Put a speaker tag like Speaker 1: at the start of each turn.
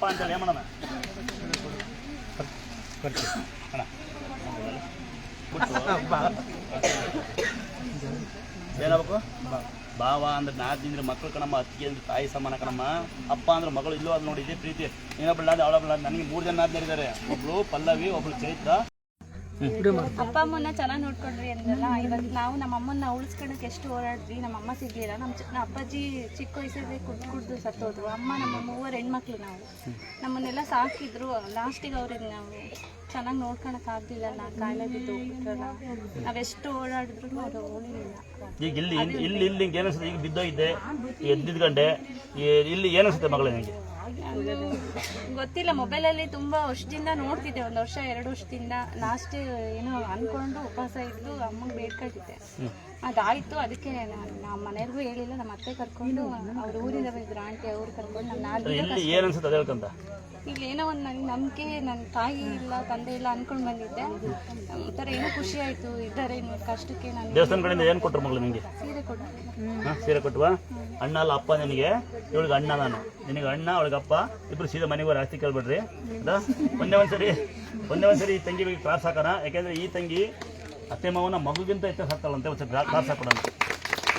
Speaker 1: ಅಂತೇಳಿ ಏನ್ ಮಾಡೋಣ ಅಣ್ಣ ಏನಾಗಬೇಕು ಭಾವ ಅಂದ್ರೆ 4 ದಿನ ಮಕ್ಕಳು ಕಣಮ್ಮ, ಅತ್ತಿಗೆ ಅಂದ್ರೆ ತಾಯಿ ಸಮಾನ ಕಣಮ್ಮ, ಅಪ್ಪ ಅಂದ್ರೆ ಮಗಳು. ಇಲ್ಲೂ ಅದು ನೋಡಿ ಇದೇ ಪ್ರೀತಿ. ಇನ್ನೊಬ್ಬಳ ಅವಳೊಬ್ಬಳ. ನನಗೆ 3 ಜನ ಆದ್ಮೇಲೆ ಒಬ್ಳು ಪಲ್ಲವಿ, ಒಬ್ಳು ಚೈತ್ರ.
Speaker 2: ಅಪ್ಪ ಅಮ್ಮನ ಚೆನ್ನಾಗಿ ನೋಡ್ಕೊಂಡ್ರಿ ಅಂದ್ರಲ್ಲ, ಇವತ್ತು ನಾವು ನಮ್ಮ ಅಮ್ಮನ ಉಳಿಸ್ಕೊಳಕ್ಕೆ ಎಷ್ಟು ಹೋರಾಡಿದ್ವಿ. ನಮ್ಮ ಅಮ್ಮ ಸಿಗ್ಲಿಲ್ಲ. ನಮ್ಮ ಅಪ್ಪಾಜಿ ಚಿಕ್ಕ ವಯಸ್ಸಲ್ಲಿ ಕುಡ್ದು ಸತ್ತೋದ್ರು. ಅಮ್ಮ ನಮ್ಮ 3 ಹೆಣ್ಮಕ್ಳು. ನಾವು ನಮ್ಮನ್ನೆಲ್ಲ ಸಾಕಿದ್ರು. ಲಾಸ್ಟಿಗೆ ಅವ್ರಿಗೆ ನಾವು ಚೆನ್ನಾಗಿ ನೋಡ್ಕೊಳಕ್ ಆಗ್ಲಿಲ್ಲ. ಕಾಯಿಲೆ ಬಿದ್ದು ಹೋಗ್ಬಿಟ್ರಲ್ಲ. ನಾವೆಷ್ಟು ಓಡಾಡಿದ್ರು ಅವ್ರು ಓಡಿಲಿಲ್ಲ.
Speaker 1: ಈಗ ಇಲ್ಲಿ ಏನಿಸುತ್ತೆ? ಈಗ ಬಿದ್ದೋಗಿದ್ದೆ, ಎದ್ದಿದ್ಗಂಡೆ ಇಲ್ಲಿ ಏನಿಸುತ್ತೆ ಮಗಳೇ ನನಗೆ?
Speaker 2: ಗೊತ್ತಿಲ್ಲ. ಮೊಬೈಲಲ್ಲಿ ತುಂಬಾ ವರ್ಷದಿಂದ ನೋಡ್ತಿದ್ದೆ, 1 ವರ್ಷ 2 ವರ್ಷದಿಂದ. ಲಾಸ್ಟ್ ಏನೋ ಅನ್ಕೊಂಡು ಉಪವಾಸ ಇದ್ದು ಅಮ್ಮಂಗೆ ಬೇಡ್ಕೊಂಡಿದ್ದೆ. ಅದಾಯ್ತು. ಅದಕ್ಕೆ ನಮ್ಮ ಮನೆಯವ್ರಿಗೂ ಹೇಳಿಲ್ಲ. ನಮ್ಮ ಅತ್ತೆ ಕರ್ಕೊಂಡು ಅವ್ರ ಊರಿಂದ ಬಂದಿದ್ರು, ಆಂಟಿ ಅವ್ರು ಕರ್ಕೊಂಡು ನಮ್ಮ ಇಲ್ಲಿ ಏನೋ ಒಂದು ನನಗೆ ನಂಬಿಕೆ, ನನ್ನ ತಾಯಿ ಇಲ್ಲ ತಂದೆ ಇಲ್ಲ ಅನ್ಕೊಂಡು ಬಂದಿದ್ದೆ. ಒಂಥರ ಏನೋ ಖುಷಿ ಆಯ್ತು. ಇದ್ದಾರೆ ಕಷ್ಟಕ್ಕೆ. ನಾನು
Speaker 1: ದೇವಸ್ಥಾನ ಕಡೆಯಿಂದ ಏನು ಕೊಟ್ಟರು ಮಗಳು ನಿಮಗೆ?
Speaker 2: ಸೀರೆ ಕೊಟ್ಟರು.
Speaker 1: ಸೀರೆ ಕೊಟ್ಟವಾ? ಅಣ್ಣ ಅಲ್ಲ ಅಪ್ಪ ನಿನಗೆ. ಇವಳಿಗೆ ಅಣ್ಣ, ನಾನು ನಿನಗೆ ಅಣ್ಣ, ಅವಳಿಗೆ ಅಪ್ಪ. ಇಬ್ರು ಸೀದಾ ಮನೆಗೆ ಆಸ್ತಿ ಕೇಳ್ಬಿಡ್ರಿ. ಒಂದೇ ಒಂದ್ಸರಿ ಈ ತಂಗಿ ಬಗ್ಗೆ ಕ್ಲಾಸ್ ಹಾಕೋಣ. ಯಾಕೆಂದ್ರೆ ಈ ತಂಗಿ ಅತ್ತೆ ಮಾವನ ಮಗುಗಿಂತ ಹೆಚ್ಚು ಹಾಕ್ತಾಳಂತೆ. ಒಂದು ಕ್ಲಾಸ್ ಹಾಕೋಣ.